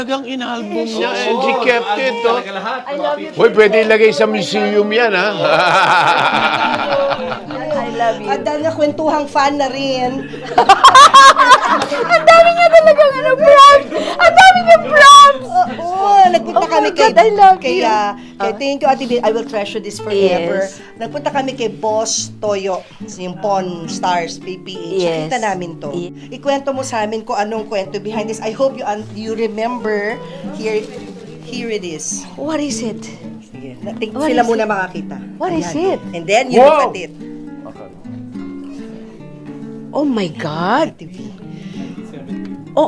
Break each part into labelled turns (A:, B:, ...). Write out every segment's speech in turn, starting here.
A: Talagang inalbum niya and she kept it. Oh.
B: I love you.
A: Hoy, pwede ilagay sa museum yan, ha?
B: I love you.
C: At dahil nga kwentuhang fan na rin.
B: Ang dami niya talagang props! Ang dami niya props!
C: Oo, nagpunta
B: Oh
C: kami
B: my God, I love you.
C: kaya thank you, Ate Bill. I will treasure this forever.
B: Yes.
C: Nagpunta kami kay Boss Toyo, yung Pawn Stars PPH.
B: Yes.
C: Nakita namin to. Ikwento mo sa amin kung anong kwento behind this. I hope you remember. Here it is.
B: What is it?
C: Sige,
B: What
C: sila
B: is
C: muna makakita.
B: What is
C: Ayan.
B: it?
C: And then you
A: Wow.
C: look at it.
B: Oh my God!
C: Ate V.
B: Oh,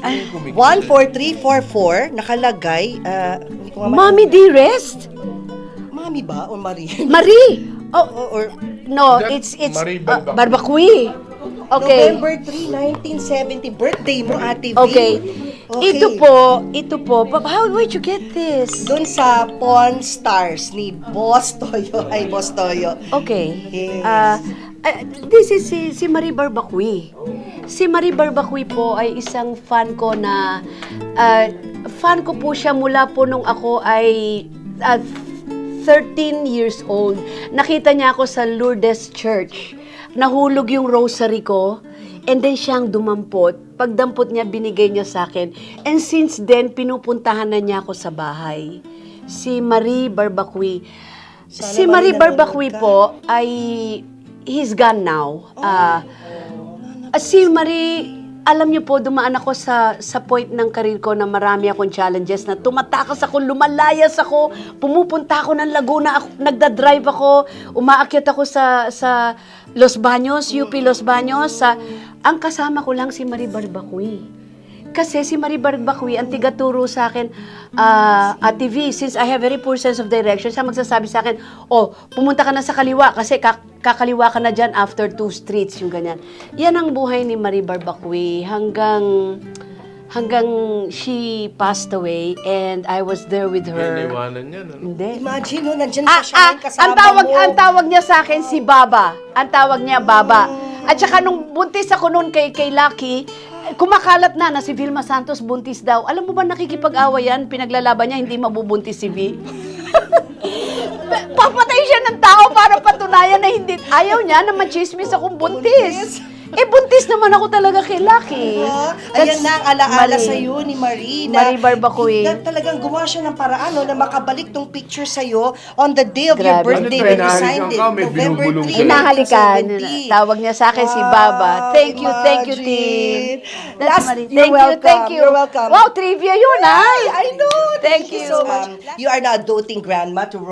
C: 14344 nakalagay. Hindi ko nga
B: Mommy Dearest?
C: Mami ba o Marie?
B: Marie! Oh,
C: or
B: no,
A: That's
B: it's
A: Marie
B: Barbacui. Okay.
C: November 3, 1970, birthday mo, Ate V.
B: Okay.
C: Okay.
B: Ito po. Where'd you get this?
C: Doon sa Pawn Stars ni Boss Toyo. Ay, Boss Toyo.
B: Okay.
C: Yes.
B: This is si Marie Barbacui. Si Marie Barbacui po ay isang fan ko na fan ko po siya mula po nung ako ay 13 years old. Nakita niya ako sa Lourdes Church. Nahulog yung rosary ko. And then siyang dumampot. Pagdampot niya, binigay niya sa akin. And since then, pinupuntahan na niya ako sa bahay. Si Marie Barbacui.
C: Sana
B: Si Marie
C: Marie,
B: Barbacui
C: nanonood ka.
B: po ay he's gone now. Si Marie, alam niyo po, dumaan ako sa point ng karir ko na marami akong challenges na tumatakas ako, lumalayas ako, pumupunta ako ng Laguna, nagda-drive ako, umaakyat ako sa Los Baños, UP Los Baños. Ang kasama ko lang si Marie Barbacui. Kasi si Marie Barbacui, ang tigaturo sa akin, Ate V, since I have very poor sense of direction, siya magsasabi sa akin, oh, pumunta ka na sa kaliwa kasi kakaliwa ka na dyan after 2 streets, yung ganyan. Yan ang buhay ni Marie Barbacui hanggang she passed away and I was there with her.
A: Iniwanan niya, no?
B: Hindi.
C: Imagine, no, nandyan pa siya ngayon kasama
B: Ang tawag niya sa akin si Baba. Ang tawag niya Baba. At saka nung buntis ako noon kay Lucky, kumakalat na si Vilma Santos buntis daw. Alam mo ba nakikipag-away yan? Pinaglalaban niya, hindi mabubuntis si V. Papatay siya ng tao para patunayan na hindi. Ayaw niya na machismis akong buntis. Buntis naman ako talaga kay Lucky.
C: Ayan na ang alaala
B: Marie.
C: sa'yo ni Marie. Na,
B: Marie Barbacui.
C: na talagang gumawa siya ng paraan no, na makabalik tong picture sa'yo on the day of your
B: Grabe.
C: birthday
A: Ano to,
C: when you
A: hinahalikan
C: signed it.
A: ka, may
C: November
A: binubulong
C: 3,
A: sa'yo.
B: Hinahalikan.
C: 1970.
B: Tawag niya sa akin si Baba. Thank you,
C: Imagine.
B: team.
C: Last,
B: Marie.
C: you're welcome.
B: Thank you.
C: You're welcome.
B: Wow, trivia yun, ha?
C: I know.
B: Thank you
C: so much. You are now a doting grandma to